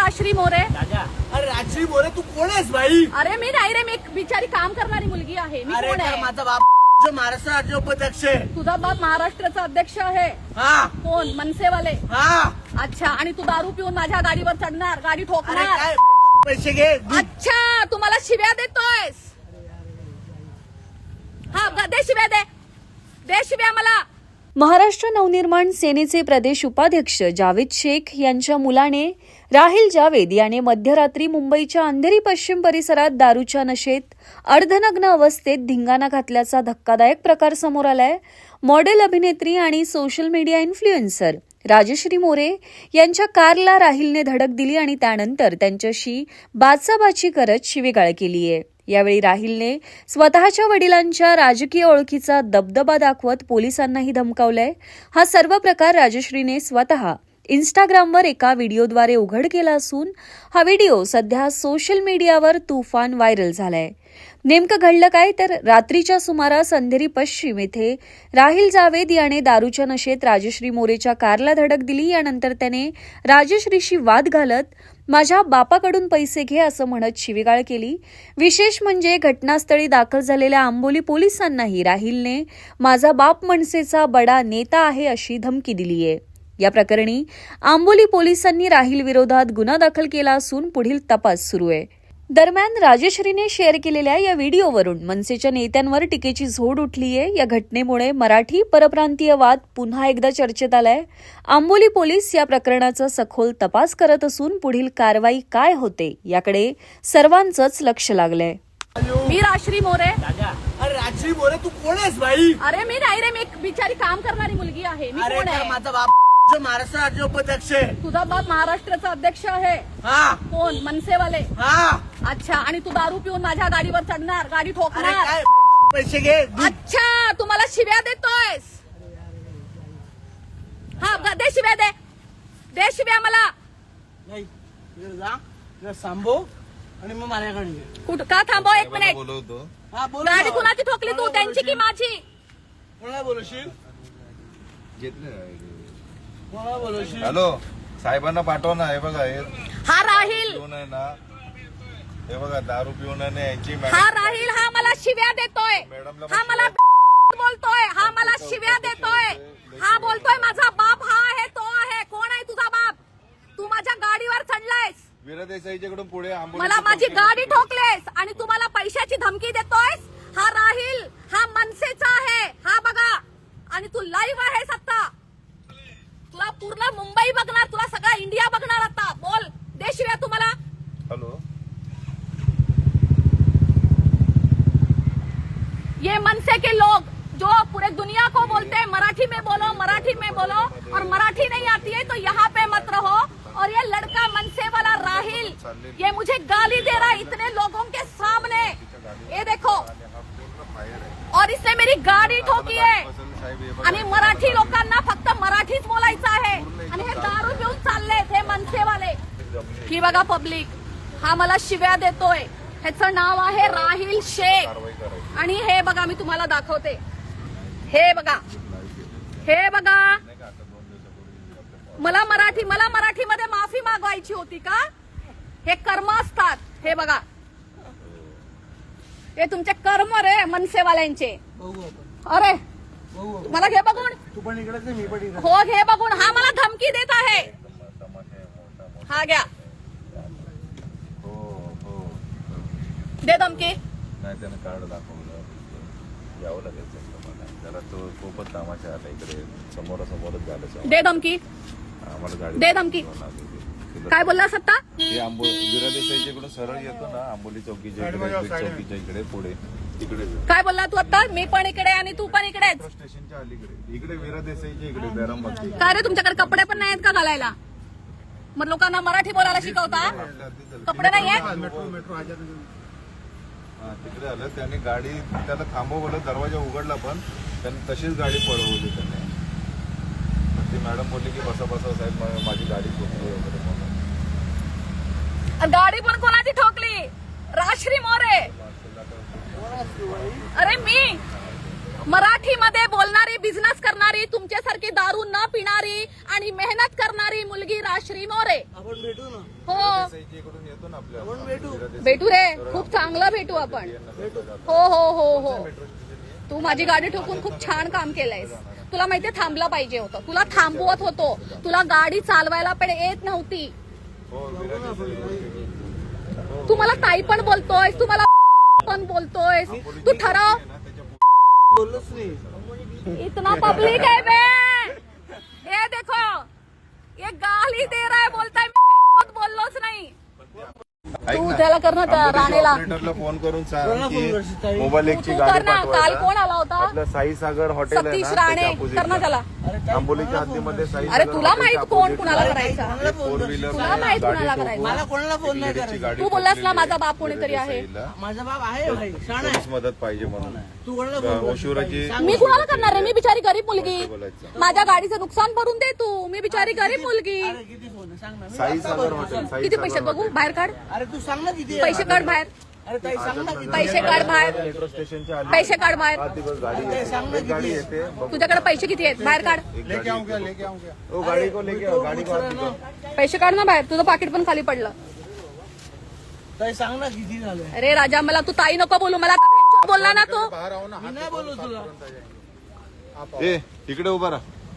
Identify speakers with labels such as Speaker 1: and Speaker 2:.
Speaker 1: राजश्री मोरे.
Speaker 2: अरे राजश्री मोरे तू कोण आहेस भाई?
Speaker 1: अरे मी नाही रे, मी एक बिचारी काम करणारी मुलगी आहे. मी
Speaker 2: अरे
Speaker 1: कोण आहे?
Speaker 2: माझा बाप जो महाराष्ट्र राज्य उपाध्यक्ष आहे.
Speaker 1: तुझा बाप महाराष्ट्राचा अध्यक्ष आहे.
Speaker 2: हा
Speaker 1: कोण? मनसेवाले.
Speaker 2: हा.
Speaker 1: अच्छा, आणि तू दारू पिऊन माझ्या गाडीवर चढणार, गाडी
Speaker 2: अरे
Speaker 1: ठोकणार.
Speaker 2: काय पैसे घे.
Speaker 1: अच्छा, तू मला शिव्या देतोयस. हा, दे शिव्या, दे शिव्या मला.
Speaker 3: महाराष्ट्र नवनिर्माण सेनेचे प्रदेश उपाध्यक्ष जावेद शेख यांच्या मुलाने राहिल जावेद याने मध्यरात्री मुंबईच्या अंधेरी पश्चिम परिसरात दारूच्या नशेत अर्धनग्न अवस्थेत धिंगाणा घातल्याचा धक्कादायक प्रकार समोर आलाय. मॉडेल अभिनेत्री आणि social media influencer Rajshri More यांच्या कारला राहिलने धडक दिली आणि त्यानंतर त्यांच्याशी बाचाबाची करत शिवीगाळ केलीय. यावेळी राहिलने स्वतःच्या वडिलांच्या राजकीय ओळखीचा दबदबा दाखवत पोलिसांनाही धमकावलंय. हा सर्व प्रकार राजश्रीने स्वतः इन्स्टाग्रामवर एका व्हिडिओद्वारे उघड केला असून हा व्हिडिओ सध्या सोशल मीडियावर तुफान व्हायरल झालाय. नेमकं घडलं काय तर रात्रीच्या सुमारास अंधेरी पश्चिम येथे राहिल जावेद याने दारूच्या नशेत राजश्री मोरेच्या कारला धडक दिली. यानंतर त्याने राजश्रीशी वाद घालत माझ्या बापाकडून पैसे घे असं म्हणत शिवीगाळ केली. विशेष म्हणजे घटनास्थळी दाखल झालेल्या आंबोली पोलिसांनाही राहिलने माझा बाप मनसेचा बडा नेता आहे अशी धमकी दिलीय. या प्रकरणी आंबोली पोलिसांनी राहिल विरोधात गुन्हा दाखल केला असून पुढील तपास सुरू आहे. दरम्यान राजश्रीने शेअर केलेल्या या व्हिडिओवरून मनसेच्या नेत्यांवर टीकेची झोड उठलीय. या घटनेमुळे मराठी परप्रांतीय वाद पुन्हा एकदा चर्चेत आलाय. आंबोली पोलीस या प्रकरणाचा सखोल तपास करत असून पुढील कारवाई काय होते याकडे सर्वांचंच लक्ष लागलंय.
Speaker 1: मी राजश्री मोरे.
Speaker 2: अरे राजश्री मोरे तू कोण आहेस भाई?
Speaker 1: अरे मी नाही रे, मी एक बिचारी काम करणारी मुलगी आहे. मी
Speaker 2: अरे
Speaker 1: कोण आहे?
Speaker 2: माझा बाप जो महाराष्ट्र राज्य उपाध्यक्ष आहे.
Speaker 1: तुझा बाप महाराष्ट्राचा अध्यक्ष आहे.
Speaker 2: हा
Speaker 1: कोण? मनसेवाले.
Speaker 2: हा.
Speaker 1: अच्छा, आणि तू दारू पिऊन माझ्या गाडीवर चढणार, गाडी
Speaker 2: अरे
Speaker 1: ठोकणार.
Speaker 2: काय पैसे घे.
Speaker 1: अच्छा, तू मला शिव्या देतोयस. हा, दे शिव्या, दे शिव्या मला.
Speaker 2: नाही इकडे जा, इकडे थांबव आणि मग माझ्याकडे ये.
Speaker 1: कुठं का थांबव? एक मिनिट.
Speaker 4: बोलवतो.
Speaker 2: हा बोल.
Speaker 1: गाडी कुणाची ठोकली तू? त्यांची की माझी?
Speaker 2: कोणाला बोलवशील? कोणाला बोलवशील?
Speaker 4: हॅलो साहेबांना पाठव ना. हे बघा हे
Speaker 1: हा राहिल,
Speaker 4: पिऊन आहे ना. हे बघा दारू पिऊन आहे ना यांची
Speaker 1: हा राहिल. हा मला शिव्या देतोय. हा मला बोलतोय. हा मला शिव्या देतोय. हा बोलतोय माझा बाप हा आहे, तो आहे. कोण आहे तुझा बाप? तू माझ्या गाडीवर चढलायस,
Speaker 4: वीरा देसाईच्याकडून पुढे
Speaker 1: मला माझी गाडी ठोकलेस आणि तू मला पैशाची धमकी देतोयस. हा राहिल, हा मनसेचा आहे. हा बघा, आणि तू लाईव्ह आहेस आता. तुला पूर्ण मुंबई बघणार, तुला सगळा इंडिया बघणार आता. बोल, दे शिव्या तू मला.
Speaker 4: हॅलो
Speaker 1: ये मनसे के लोग जो पूरे दुनिया को बोलते हैं मराठी में बोलो, मराठी में बोलो, और मराठी नहीं आती है तो यहाँ पे मत रहो. और ये लड़का मनसे वाला राहिल, ये मुझे गाली दे रहा है इतने लोगों के सामने. ये देखो, और इसने मेरी गाडी ठोकी आहे. आणि मराठी लोकांना फक्त मराठीच बोलायचं आहे. आणि हे दारू पिऊन चाललेत हे मनसेवाले. ही बघा पब्लिक, हा मला शिव्या देतोय. ह्याचं नाव आहे राहिल शेख. आणि हे बघा, मी तुम्हाला दाखवते. हे बघा, हे बघा. मला मराठीमध्ये माफी मागवायची होती का? हे कर्म असतात. हे बघा, हे तुमचे कर्म रे मनसेवाल्यांचे. अरे मला घे बघून.
Speaker 2: तू पण इकडेच आहे, मी पण इकडे.
Speaker 1: हो घे बघून. हा मला धमकी देत आहे. हा घ्या, दे धमकी.
Speaker 4: नाही त्यानं कार्ड दाखवलं. यावं लागेल त्याला. तो खूपच तमाशा आला इकडे. समोरासमोरच झालं.
Speaker 1: दे धमकी,
Speaker 4: आम्हाला गाडी
Speaker 1: दे धमकी. काय बोलला सत्ता?
Speaker 4: ते वीरा देसाईच्याकडून सरळ येतो ना आंबोली चौकीच्या इकडे, चौकीच्या इकडे पुढे तिकडे.
Speaker 1: काय बोलला तू आता? मी पण इकडे आणि तू पण इकडेच.
Speaker 4: स्टेशनच्या अलीकडे इकडे वीरा देसाईच्या इकडे बॅरामती.
Speaker 1: काय रे, तुमच्याकडे कपडे पण नाहीत का घालायला? मग लोकांना मराठी बोलायला शिकवता? कपडे नाहीये?
Speaker 2: मेट्रो
Speaker 4: तिकडे आलं. त्याने गाडी त्याला थांबवलं, दरवाजा उघडला पण त्याने तशीच गाडी पळवली त्याने. ती मॅडम बोलली की बसा बसा साहेब, माझी गाडी ठोकली वगैरे म्हणून.
Speaker 1: गाडी पण कोणाची ठोकली? राजश्री मोरे. अरे मी मराठीमध्ये बोलणारी, बिझनेस करणारी, तुमच्यासारखी दारू न पिणारी आणि मेहनत करणारी मुलगी राश्री मोरे.
Speaker 2: आपण भेटू ना,
Speaker 1: हो
Speaker 4: इकडून येतो ना आपल्या
Speaker 2: आपण भेटू.
Speaker 1: भेटू रे, खूप चांगलं भेटू आपण. हो हो हो हो, तू माझी गाडी ठोकून खूप छान काम केलंयस. तुला माहितीये थांबलं पाहिजे होतं, तुला थांबवत होतो, तुला गाडी चालवायला पण येत नव्हती. तू मला ताई पण बोलतोयस, तू मला पण बोलतोयस. तू ठरव.
Speaker 2: बोललोच नाही.
Speaker 1: इतना पब्लिक है बे, ये देखो, ये गाली दे रहा है, बोलता है मी बोललोच नाही. तू त्याला कर ना, त्या राणेला
Speaker 4: ऑपरेटरला फोन करून सांग
Speaker 2: कोणाला फोन
Speaker 4: की
Speaker 2: करशील ताई?
Speaker 4: मोबाईल एकची
Speaker 1: तू
Speaker 4: गाडी
Speaker 1: कर ना. काल
Speaker 4: पाठवायला.
Speaker 1: कोण आला होता?
Speaker 4: आपलं साई सागर हॉटेल आहे
Speaker 1: सतीश
Speaker 4: ना,
Speaker 1: राणे,
Speaker 4: त्याच्या opposite
Speaker 1: कर ना
Speaker 4: ला.
Speaker 1: त्याला.
Speaker 2: अरे ताई,
Speaker 4: आंबोलीच्या हद्दीमध्ये साई
Speaker 1: अरे
Speaker 4: सागर
Speaker 1: तुला माहित
Speaker 4: हॉटेलच्या
Speaker 1: कोण
Speaker 4: opposite
Speaker 1: कुणाला
Speaker 4: ला
Speaker 1: करायचा?
Speaker 2: कोणाला फोन
Speaker 4: फोर
Speaker 2: करशील?
Speaker 4: व्हीलर
Speaker 1: तुला माहित कुणाला करायचं?
Speaker 2: मला कोणाला फोन नाही करायचा.
Speaker 1: तू बोललास ना माझा बाप कोणीतरी आहे.
Speaker 2: माझा बाप आहे भाई, शाण आहे.
Speaker 4: मदत पाहिजे म्हणून
Speaker 2: तू कोणाला फोन करशील?
Speaker 4: ओशिवराची
Speaker 1: मी कुणाला करणार आहे? मी बिचारी गरीब मुलगी.
Speaker 4: बोलायचं.
Speaker 1: माझ्या गाडीचं नुकसान भरून दे तू. मी बिचारी गरीब मुलगी.
Speaker 2: अरे किती फोन आहे? सांग ना. मी
Speaker 4: साई
Speaker 2: आता
Speaker 4: सागर
Speaker 2: बोलतो.
Speaker 4: हॉटेल साई
Speaker 1: किती
Speaker 4: सागर
Speaker 1: पैसे बघू?
Speaker 4: हॉटेल.
Speaker 1: बाहेर काढ.
Speaker 2: अरे तू सांग ना किती आहे?
Speaker 1: पैसे काढ बाहेर.
Speaker 2: अरे ताई सांग ना किती
Speaker 1: पैसे काढ बाहेर.
Speaker 4: मेट्रो स्टेशनच्या आली
Speaker 1: पैसे काढ बाहेर.
Speaker 4: 7 दिवस गाडी येते. एक गाडी येते बघ.
Speaker 1: तुझ्याकडे पैसे किती आहेत? बाहेर काढ.
Speaker 4: लेके आऊंगा ओ गाडी को लेके आओ, गाडी को हाथ दिखाओ.
Speaker 1: पैसे काढ ना बाहेर. तुझं पाकिट पण खाली पडलं.
Speaker 2: ताई सांग ना किती झालं.
Speaker 1: अरे राजा, मला तू ताई नको बोलू. मला का भेंचोद बोलला ना तू.
Speaker 2: मी नाही बोलू तुला.
Speaker 4: ए इकडे उभा राहा.